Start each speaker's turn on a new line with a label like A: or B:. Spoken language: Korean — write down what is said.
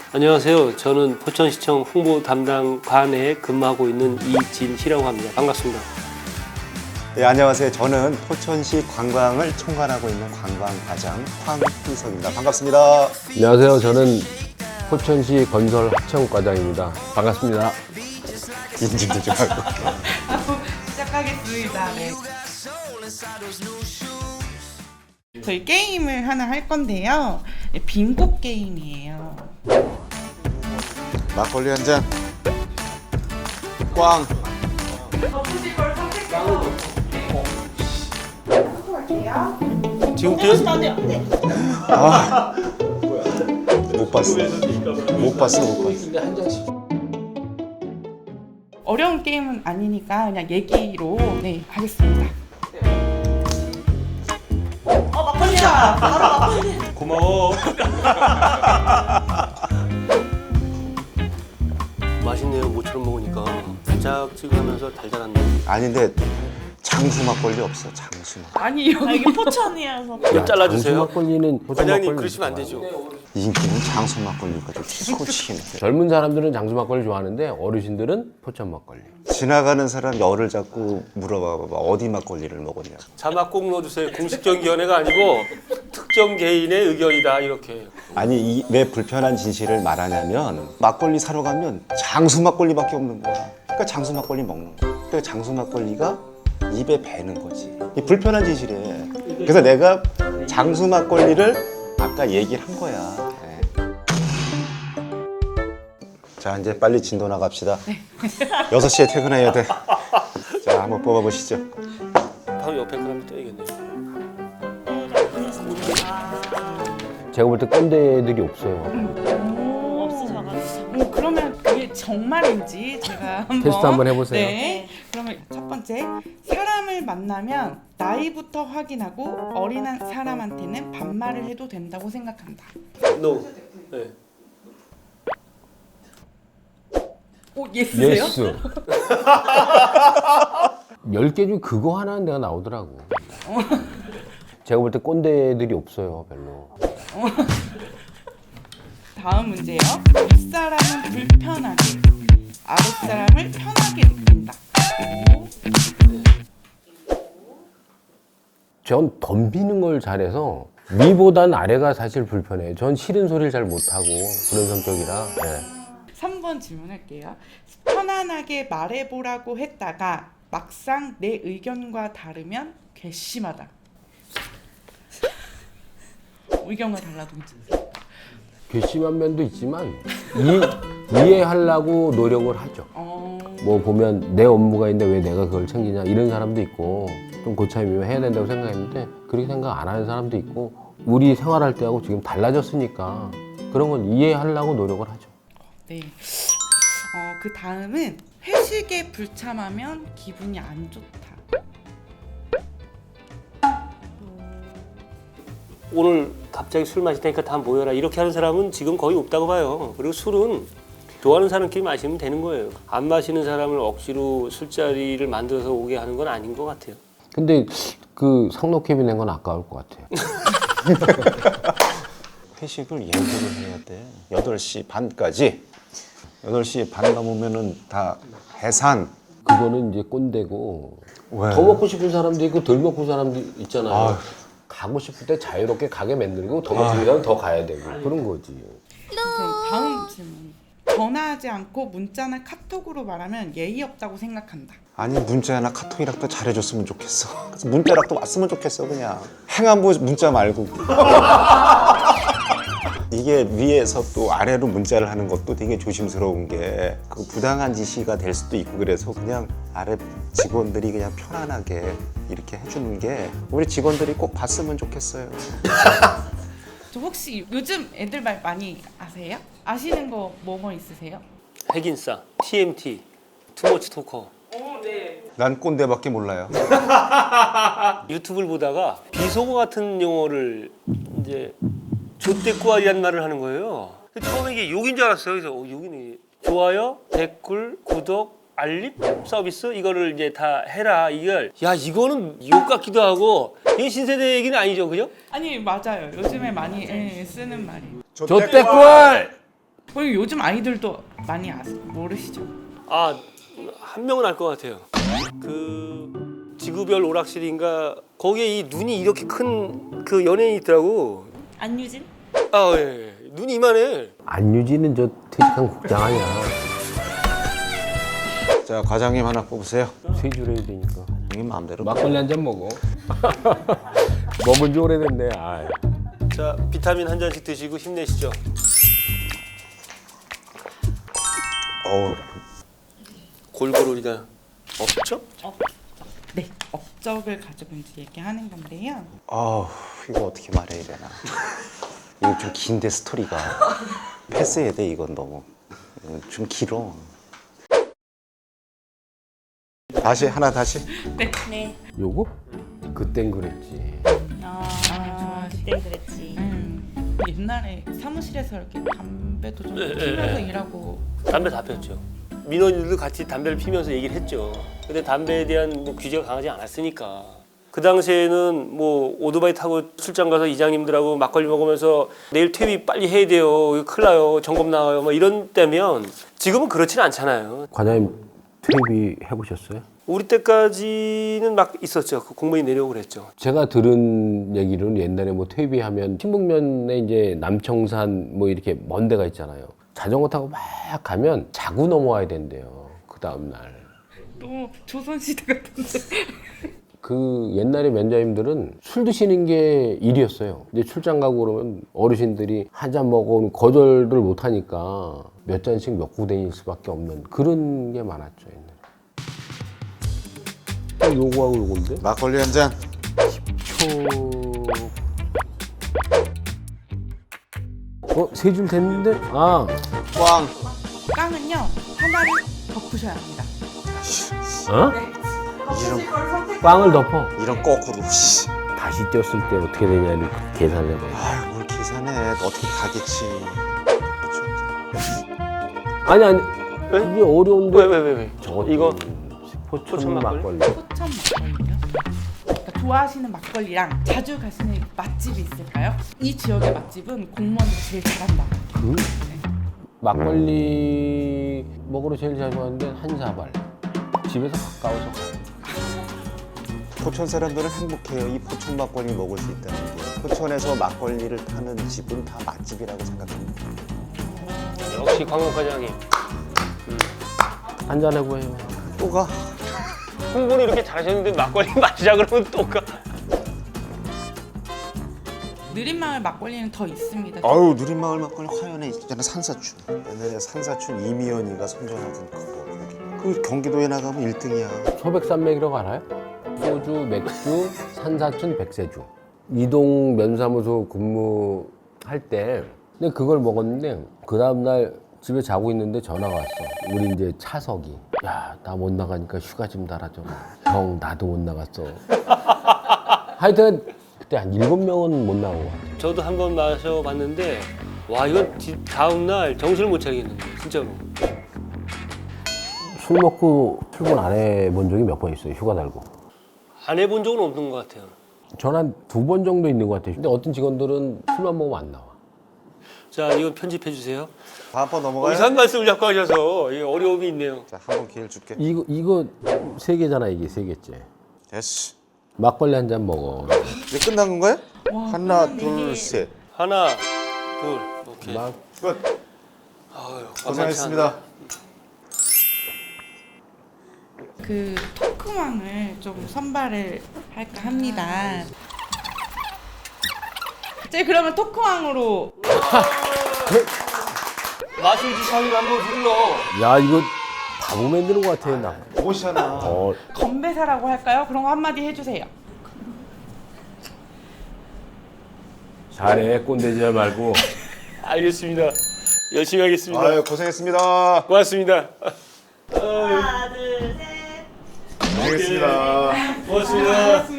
A: 안녕하세요. 저는 포천시청 홍보 담당관에 근무하고 있는 이진희라고 합니다. 반갑습니다.
B: 네, 안녕하세요. 저는 포천시 관광을 총괄하고 있는 관광과장 황희석입니다. 반갑습니다.
C: 안녕하세요. 저는 포천시 건설하청과장입니다. 반갑습니다.
B: 인증도 좀 하고.
D: 시작하겠습니다. 네. 저희 게임을 하나 할 건데요. 빙고 게임이에요.
B: 막걸리 한 잔. 꽝.
A: 지금부터
B: 못 봤어. 못 봤어.
D: 어려운 게임은 아니니까 그냥 얘기로 네 하겠습니다.
A: 고마워. 맛있네요. 모처럼 먹으니까 달짝지근하면서 달달한데.
B: 아닌데 장수 막걸리 없어. 장수 막.
D: 아니요.
E: 이게 포천이어서
A: 이거 잘라주세요.
C: 막걸리는
A: 과장님 그러시면 안 되죠.
B: 인기는 장수 막걸리가 좀 치고치네.
C: 젊은 사람들은 장수 막걸리 좋아하는데 어르신들은 포천 막걸리.
B: 지나가는 사람 열을 잡고 물어봐봐. 어디 막걸리를 먹었냐.
A: 자막 꼭 넣어주세요. 공식경기위원회가 아니고 특정 개인의 의견이다 이렇게.
B: 아니 왜 불편한 진실을 말하냐면 막걸리 사러 가면 장수 막걸리밖에 없는 거야. 그러니까 장수 막걸리 먹는 거야. 그러니까 장수 막걸리가 입에 배는 거지. 이 불편한 진실이에. 그래서 내가 장수 막걸리를 아까 얘기를 한 거야. 네. 자 이제 빨리 진도 나갑시다. 6시에 퇴근해야 돼. 자 한번 뽑아보시죠.
A: 바로 옆에 사람이 떠야겠네요.
C: 제가 볼 때 꼰대들이 없어요.
E: 없으셔가지고
D: 그러면 그게 정말인지 제가 한번
C: 테스트 한번 해보세요.
D: 네. 그러면 첫 번째 사람을 만나면 나이부터 확인하고 어린 사람한테는 반말을 해도 된다고 생각한다.
A: No. 네.
D: 오 예스세요?
C: 예스. 10개 중 그거 하나는 내가 나오더라고. 제가 볼 때 꼰대들이 없어요, 별로.
D: 다음 문제요. 윗사람은 불편하게, 아랫사람을 편하게 느낀다.
C: 전 덤비는 걸 잘해서 위보단 아래가 사실 불편해요. 전 싫은 소리를 잘 못하고 그런 성격이라. 네.
D: 3번 질문할게요. 편안하게 말해보라고 했다가 막상 내 의견과 다르면 괘씸하다. 의견과 달라도 괜찮아요.
C: 괘씸한 면도 있지만 이해하려고 노력을 하죠. 뭐 보면 내 업무가 있는데 왜 내가 그걸 챙기냐 이런 사람도 있고 좀 고참이면 해야 된다고 생각했는데 그렇게 생각 안 하는 사람도 있고 우리 생활할 때하고 지금 달라졌으니까 그런 건 이해하려고 노력을 하죠.
D: 네. 그 다음은 회식에 불참하면 기분이 안 좋다.
A: 오늘 갑자기 술 마실 테니까 다 모여라 이렇게 하는 사람은 지금 거의 없다고 봐요. 그리고 술은 좋아하는 사람끼리 마시면 되는 거예요. 안 마시는 사람을 억지로 술자리를 만들어서 오게 하는 건 아닌 것 같아요.
C: 근데 그 상록캡이 낸 건 아까울 것 같아요.
B: 회식을 예고를 해야 돼. 8시 반까지. 8시 반 넘으면은 다 해산.
C: 그거는 이제 꼰대고
B: 왜?
C: 더 먹고 싶은 사람도 있고 덜 먹고 싶은 사람도 있잖아요.
B: 아휴.
C: 가고 싶을 때 자유롭게 가게 만들고 더 먹고 싶으면 더 가야 되고 그런 거지.
D: 다음 질문. 전화하지 않고 문자나 카톡으로 말하면 예의 없다고 생각한다.
B: 아니 문자나 카톡이라도 잘해줬으면 좋겠어. 그래서 문자라도 왔으면 좋겠어 그냥. 행안부 문자 말고. 이게 위에서 또 아래로 문자를 하는 것도 되게 조심스러운 게 그 부당한 지시가 될 수도 있고 그래서 그냥 아래 직원들이 그냥 편안하게 이렇게 해주는 게 우리 직원들이 꼭 봤으면 좋겠어요.
D: 저 혹시 요즘 애들 말 많이 아세요? 아시는 거 뭐 있으세요?
A: 핵인싸, TMT, 투머치 토커.
B: 난 꼰대밖에 몰라요.
A: 유튜브를 보다가 비속어 같은 용어를 이제 좆대꾸알이라는 말을 하는 거예요. 처음에 이게 욕인 줄 알았어요. 그래서 욕이네. 좋아요, 댓글, 구독, 알림 서비스 이거를 이제 다 해라. 이걸 야 이거는 욕 같기도 하고 이게 신세대 얘기는 아니죠, 그죠?
D: 아니 맞아요. 요즘에 많이 쓰는 말이에요.
C: 좆대꾸알!
D: 그리고 요즘 아이들도 많이 모르시죠?
A: 아, 한 명은 알 것 같아요. 그 지구별 오락실인가 거기에 이 눈이 이렇게 큰 그 연예인이 있더라고.
D: 안유진?
A: 아, 예. 눈이 이만해.
C: 안유진은 저 퇴직한 국장 아니야.
B: 자, 과장님 하나 뽑으세요.
C: 세 줄 해야 되니까.
B: 형님 마음대로.
C: 막걸리 한 잔 먹어. 먹은 지 오래됐네. 아.
A: 자, 비타민 한 잔씩 드시고 힘내시죠.
B: 어우,
A: 골고루 우리가 없죠?
D: 네, 업적을 가지고 이제 얘기하는 건데요.
B: 이거 어떻게 말해야 되나. 이거 좀 긴데 스토리가. 패스해야 돼, 이건 너무. 이건 좀 길어. 다시.
E: 네.
C: 요거? 그땐 그랬지.
E: 그때 그랬지.
D: 옛날에 사무실에서 이렇게 담배도 좀 피면서 일하고
A: 담배 다 폈죠. 민원인들도 같이 담배를 피면서 얘기를 했죠. 근데 담배에 대한 뭐 규제가 강하지 않았으니까. 그 당시에는 뭐 오토바이 타고 출장 가서 이장님들하고 막걸리 먹으면서 내일 퇴비 빨리 해야 돼요. 이거 큰일 나요. 점검 나와요. 뭐 이런 때면 지금은 그렇지는 않잖아요.
C: 과장님 퇴비 해보셨어요?
A: 우리 때까지는 막 있었죠. 그 공무원이 내려오고 그랬죠.
C: 제가 들은 얘기로는 옛날에 뭐 퇴비하면 신북면에 이제 남청산 뭐 이렇게 먼 데가 있잖아요. 자전거 타고 막 가면 자고 넘어와야 된대요. 그 다음 날.
D: 너무 조선시대 같은데.
C: 그 옛날에 면장님들은 술 드시는 게 일이었어요. 이제 출장 가고 그러면 어르신들이 한 잔 먹으면 거절을 못 하니까 몇 잔씩 먹고 다닐 수밖에 없는 그런 게 많았죠. 옛날에. 요거하고 요건데?
B: 막걸리 한 잔.
C: 세 줄 됐는데? 아,
B: 꽝.
D: 깡은요 하나를 덮으셔야 합니다.
C: 어?
B: 이런,
C: 꽝을 덮어.
B: 이런 거꾸로. 씨.
C: 다시 쪘을 때 어떻게 되냐를 계산해봐요.
B: 아유, 뭘 계산해. 어떻게 가겠지.
C: 아니 이게 어려운데.
A: 왜?
C: 저거
A: 이거
C: 포천 막걸리.
D: 포천 막걸리요? 그러니까 좋아하시는 막걸리랑 자주 가시는 맛집이 있을까요? 이 지역의 맛집은 공무원들이 제일 잘한다.
C: 막걸리 먹으러 제일 자주 가는데 한사발. 집에서 가까워서 가요.
B: 포천 사람들은 행복해요. 이 포천 막걸리 먹을 수 있다는 게. 포천에서 막걸리를 타는 집은 다 맛집이라고 생각합니다.
A: 역시 광목 과장님.
C: 한잔 해보세요.
B: 또 가.
A: 홍보를 이렇게 잘하셨는데 막걸리 마시자 그러면 또 가.
D: 느린마을 막걸리는 더 있습니다.
B: 아유, 누린마을 막걸리 화연에 있잖아. 산사춘. 옛날에 산사춘 이미연이가 선전하던 그거. 그 경기도에 나가면 1등이야.
C: 소백산맥이라고 알아요? 소주, 맥주, 산사춘, 백세주. 이동 면사무소 근무할 때 근데 그걸 먹었는데 그 다음날 집에 자고 있는데 전화가 왔어. 우리 이제 차석이. 야, 나 못 나가니까 휴가 좀 달아줘. 형, 나도 못 나갔어. 하여튼 그때 한 7명은 못 나온 것 같아.
A: 저도 한번 마셔봤는데 와 이건 다음 날 정신을 못 차리겠는데 진짜로.
C: 술 먹고 출근 안 해본 적이 몇 번 있어요. 휴가 달고.
A: 안 해본 적은 없는 것 같아요.
C: 전 한 2번 정도 있는 것 같아요. 근데 어떤 직원들은 술만 먹으면 안 나와.
A: 자 이건 편집해 주세요.
B: 다음 번 넘어가요?
A: 이상한 말씀을 자꾸 하셔서 이게 어려움이 있네요.
B: 자, 한 번 기회를 줄게.
C: 이거 3개잖아, 이게 3개째.
B: 됐어.
C: 막걸리 한 잔 먹어.
B: 이제 끝난 건가요?
D: 와,
B: 하나,
D: 끝났네.
B: 둘, 셋.
A: 하나, 둘, 오케이.
C: 막
B: 끝.
A: 아유,
B: 고생하셨습니다.
D: 그 토크왕을 좀 선발을 할까 합니다. 제 그러면 토크왕으로
A: 마술지 사위 한번 불러.
C: 야, 이거 바보 만드는 것 같아, 나.
B: 옷이잖아.
D: 건배사라고 할까요? 그런 거 한마디 해주세요.
C: 잘해, 꼰대지 말고.
A: 알겠습니다. 열심히 하겠습니다.
B: 아유, 고생했습니다.
A: 고맙습니다.
E: 하나, 둘, 셋.
B: 고생했습니다.
A: 고맙습니다.